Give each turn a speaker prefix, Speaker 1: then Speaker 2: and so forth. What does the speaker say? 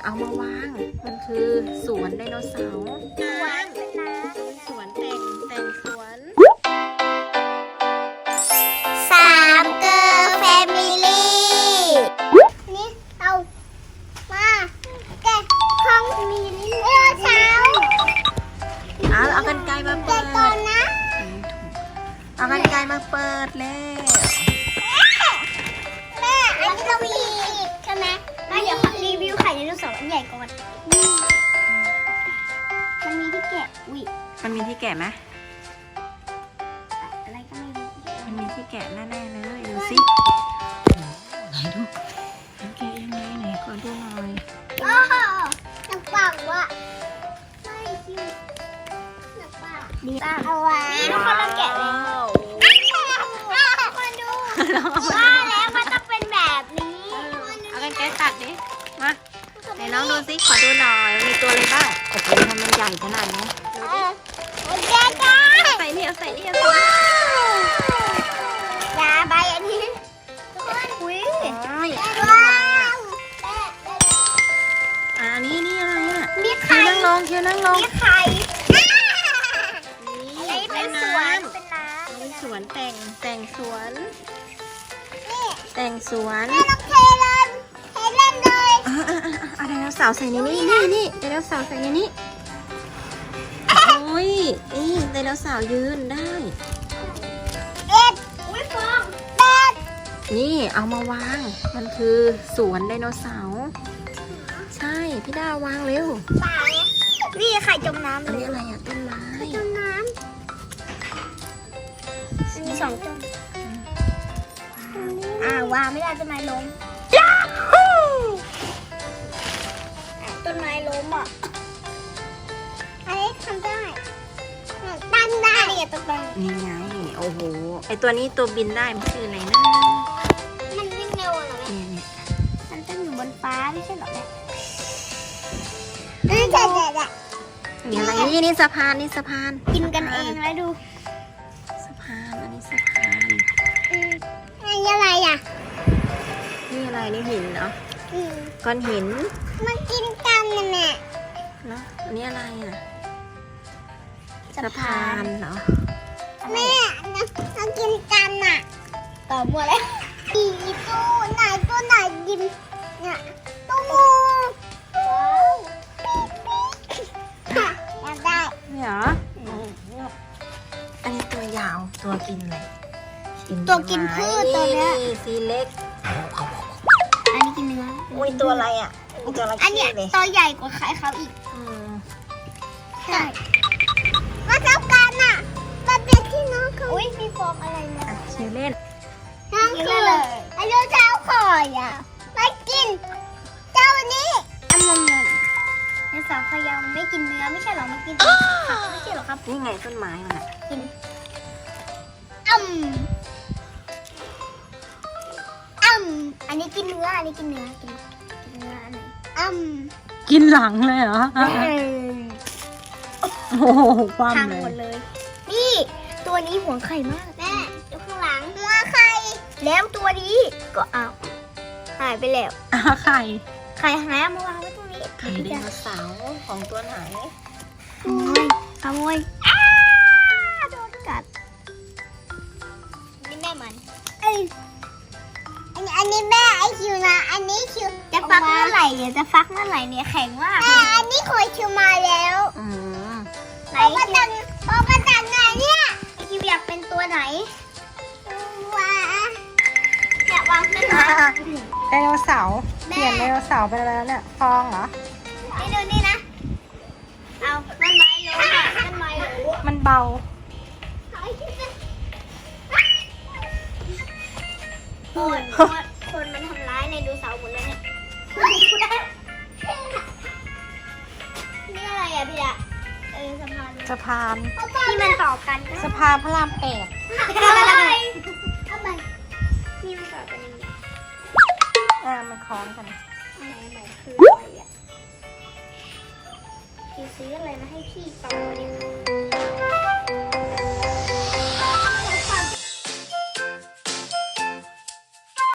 Speaker 1: เอามาวางมันคือสวนไดโนเสาร์สวนแต่งสวน
Speaker 2: สามเกอร์แฟมิลี่นี่เรามาแกะห้องมีเรือเช้า
Speaker 1: เอากันไกลมาเปิด
Speaker 2: ก่อนนะ
Speaker 1: เอากันไกลมาเปิดแล้ว
Speaker 2: แม่อันนี้เรามีใช่ไหมแม่เดี๋ยวรีวิวไข่ไดโนเสาร์อันใหญ่ก่อนมันมีที่แกะ
Speaker 1: มันมีที่แกะไหม
Speaker 2: อะไรก็ไม่รู้
Speaker 1: มันมีที่แกะแน่ๆเลยดูสิไหนดูมันแกะยังไงไหนขอดูหน่อย
Speaker 2: โอ้โหหนักปากว่ะไม่คิวหนักปากดีป่ะเอาไว้นี่ทุกคนเราแกะเลยมาดูว่าแล้วมันต้องเป็นแบบนี้
Speaker 1: เอากันไกลตัดดิมาไหนน้องดูสิขอดูหน่อยมีตัวอะไรบ้างโอ้โหทำมันใหญ่ขนาดนี้
Speaker 2: โอเคจ้า
Speaker 1: ใส่นี่เอาใส่นี่
Speaker 2: ยาใบอันนี้อุ้ย
Speaker 1: ว้าวนี่อะไรอ่ะ
Speaker 2: มีไข่
Speaker 1: นั่งลง
Speaker 2: มีไข่
Speaker 1: นี่เป็นสวนเป็นสวนแต่งสวน
Speaker 2: แม่ต้องเทเล่นเลย
Speaker 1: ไดโนเสาร์ใส่ในนี่ไดโนเสาร์ใส่ในนี้โอ้ยไดโนเสาร์ยืนได้
Speaker 2: อุ้ยฟอง
Speaker 1: นี่เอามาวางมันคือสวนไดโนเสาร์ใช่พี่ดาวางเร็ว
Speaker 2: นี่ไข่จมน้ำ
Speaker 1: อันนี้อะไรอ่ะต้นไม้
Speaker 2: จมน้ำมี2ต้นวางไม่ได้ต้นไม้ล้มต้นไม้ล้มอ่ะอันนี้ทำได้ตั้งได้เนี่ยต้นไม้
Speaker 1: นี่ไงโอ้โหไอตัวนี้ตัวบินได้มันคืออะไรนะ
Speaker 2: มันวิ่งเร็วเหรอเนี่ยมันต้องอยู่บนฟ้าไม่ใช่หรอแม่
Speaker 1: นี่อะไรนี่สะพาน
Speaker 2: กินกันเองแล้วดู
Speaker 1: สะพานอันนี้สะพาน
Speaker 2: นี่อะไรอ่ะ
Speaker 1: นี่อะไรนี่หินเนาะก้อนหิน
Speaker 2: มันกินกันนะแม่
Speaker 1: เนาะอันนี้อะไรอ่ะสะพานเหรอ
Speaker 2: แม่มันกินกันอ่ะต่อบัวเลยตัวไหนกินเนี่ยตัวงูอยากได้
Speaker 1: เนี่ยเหรออันนี้ตัวยาวตัวกินอะไร
Speaker 2: ตัวกินพืชตัวเนี้ย
Speaker 1: สีเล็ก
Speaker 2: อันนี้กินเนื้อ
Speaker 1: อุ้ยตัวอะไรอ่ะตัวอะไร
Speaker 2: อันเนี้ยตัวใหญ่กว่าใครเขาอีกใช่มาเท่ากันอ่ะมันเป็นที่น้องเขาอุ้ยมีฟองอะไรนะ
Speaker 1: ชื่อเล่น
Speaker 2: น้องคืออายุเช้าข่อยอ่ะไม่กินเจ้านี้อันนั้นในสาวขยาวไม่กินเนื้อไม่ใช่หรอไม่กินผักไม่ใช่หรอครับ
Speaker 1: นี่ไงต้นไม้มันอ่ะ
Speaker 2: กินอันนี้กินเนื้ออันนี้กินเนื้อกินเนื้ออันไหน
Speaker 1: กินหลังเลยเหรอโอ้โหความ
Speaker 2: พังหมดเลยนี่ตัวนี้หัวไข่มากแม่ดูข้างหลังหัวไข่แล้วตัวนี้ก็เอาหายไปแล้ว
Speaker 1: ไข่
Speaker 2: หายมาวางไว้ตรงนี้
Speaker 1: ไข่ไดโนเสาร์ของตัวไหน
Speaker 2: ขโมยโดนกัดนี่แม่มันอันนี้แม่ไอคิวนะอันนี้คิวจะฟักเมื่อไหร่เนี่ยจะฟักเมื่อไหร่เนี่ยแข็งมากอันนี้คอยคิวมาแล้วไหนพอประจันไหนเนี่ยไอคิวอยากเป็นตัวไหนอยากวางเป็น
Speaker 1: ไดโนเสาร์เปลี่ยนไดโนเสาร์ไปแล้วเนี่ยฟองเหรอ
Speaker 2: นี่ดูนี่นะเอาต้นไม้ล้มต้นไม้ล้ม
Speaker 1: มันเบา
Speaker 2: คนมันทำร้ายในดูเสาหมดเลยเนี่ยนี่อะไรอ่ะพี่อะ
Speaker 1: สะพาน
Speaker 2: ที่มันต่อกัน
Speaker 1: สะพานพระราม8
Speaker 2: ทำไมนี่มันต่อกันยังไง
Speaker 1: มันคล้องกัน
Speaker 2: ไหนคืออะไรอ่ะพี่ซื้ออะไรมาให้พี่ต่อเนี่ย